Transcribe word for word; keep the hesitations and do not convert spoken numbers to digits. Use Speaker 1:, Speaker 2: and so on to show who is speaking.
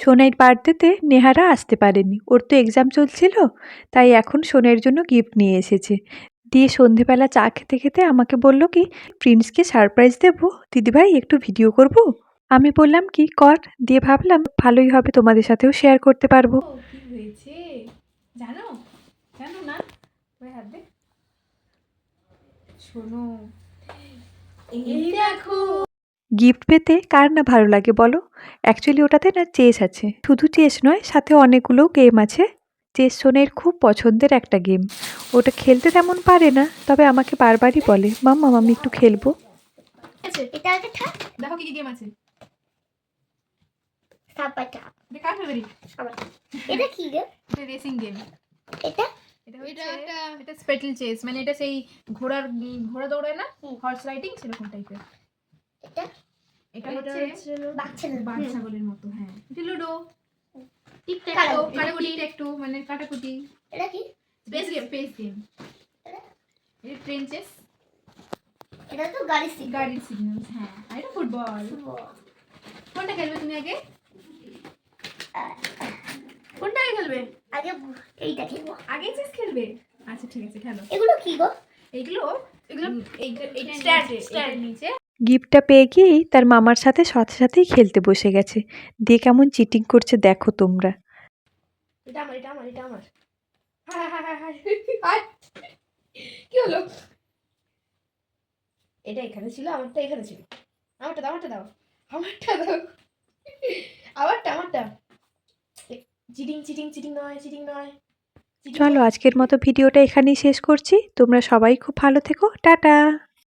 Speaker 1: সোনাইর বার্থডেতে নেহারা আসতে পারেনি, ওর তো এক্সাম চলছিল, তাই এখন সোনাইয়ের জন্য গিফট নিয়ে এসেছে। দিয়ে সন্ধেবেলা চা খেতে খেতে আমাকে বলল কি, প্রিন্সকে সারপ্রাইজ দেবো, দিদিভাই একটু ভিডিও করব। আমি বললাম কি কর, দিয়ে ভাবলাম ভালোই হবে, তোমাদের সাথেও শেয়ার করতে পারবো।
Speaker 2: কি হয়েছে জানো জানো না, হাত দে, শোনো এই দেখো।
Speaker 1: গিফট পেতে কার না ভালো লাগে বলো। অ্যাকচুয়ালি ওটাতে না চেস আছে, শুধু চেস নয়, সাথে অনেকগুলো গেম আছে। চেস সোনাইয়ের খুব পছন্দের একটা গেম। ওটা খেলতে তেমন পারে না, তবে আমাকে বারবারই বলে মাম্মা আমি একটু খেলবো।
Speaker 2: এটা আগে থাক, দেখো কি কি গেম আছে। সাপাটা দেখা ফেভারিট আবার এটা কি গেম? এটা রেসিং গেম। এটা এটা এটা একটা এটা স্পেটল চেস, মানে এটা সেই ঘোড়ার ঘোড়া দৌড়ায় না, হর্স রাইডিং সেরকম টাইপের। এটা এটা হচ্ছে বাচ্চা ছাগলের মতো। হ্যাঁ এটা লুডো, টিক ট্যাক টো, কাটাকুটি ট্যাক টো মানে কাটাকুটি। এটা কি স্পেস গেম? Space game. এটা ট্রেন চেস। এটা তো গাড়ি সিগন্যাল, গাড়ি সিগন্যাল। হ্যাঁ আর এটা ফুটবল। কোনটা খেলবে তুমি আগে? কোনটা আগে খেলবে? আগে এইটা খেলবো। আগে চেস খেলবে? আচ্ছা ঠিক আছে খেলো। এগুলো কি গো? এগুলো এগুলো এইটা স্ট্যান্ড স্ট্যান্ড নিচে।
Speaker 1: গিফটটা পেয়ে গিয়েই তার মামার সাথে সাথে সাথেই খেলতে বসে গেছে। দিয়ে কেমন চিটিং করছে দেখো তোমরা।
Speaker 2: এটা আমার এটা আমার এটা আমার। হ্যাঁ হ্যাঁ হ্যাঁ হ্যাঁ কি হলো? এটা এখানে ছিল, আমারটা এখানে ছিল। আমারটা দাও আমারটা দাও আমারটা দাও আমারটা আমারটা। চিটিং চিটিং চিটিং নয় চিটিং নয়।
Speaker 1: চলো আজকের মতো ভিডিওটা এখানেই শেষ করছি। তোমরা সবাই খুব ভালো থেকো, টাটা।